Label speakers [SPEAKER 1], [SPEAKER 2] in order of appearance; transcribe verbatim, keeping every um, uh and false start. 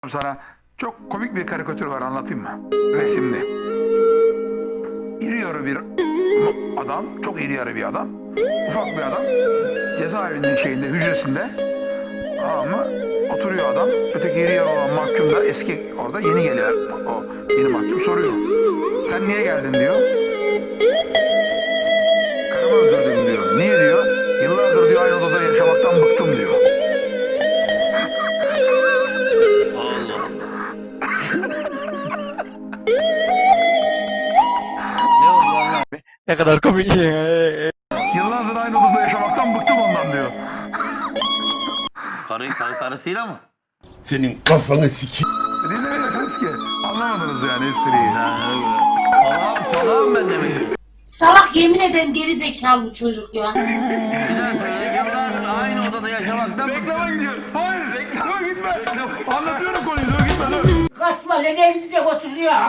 [SPEAKER 1] Sana çok komik bir karikatür var, anlatayım mı? Resimli. İri yarı bir adam, çok iri yarı bir adam, ufak bir adam, cezaevinin şeyinde, hücresinde, ama oturuyor adam. Öteki iri yarı olan mahkum da eski, orada yeni geliyor. O yeni mahkum soruyor. Sen niye geldin diyor. Karımı öldürdüm diyor. Niye diyor. Yıllardır diyor aynı odada yaşamaktan bıktım diyor.
[SPEAKER 2] Ne kadar komik.
[SPEAKER 1] Yıllardır aynı odada yaşamaktan bıktım ondan diyor.
[SPEAKER 3] Karı, kar, karısıyla mı?
[SPEAKER 4] Senin kafanı sikeyim.
[SPEAKER 1] Dinlemiyorsunuz ki. Anlamadınız yani espriyi.
[SPEAKER 3] Salağım, salağım ben demek.
[SPEAKER 5] Salak, yemin ederim geri zekalı bu çocuk ya.
[SPEAKER 3] Bir daha söyle, yıllardır aynı odada yaşamaktan
[SPEAKER 1] Reklama gidiyoruz. Hayır, reklama gitme. Anlatıyorum konuyu, dur gitme dur.
[SPEAKER 5] Kaçma lan, evde oturuyor.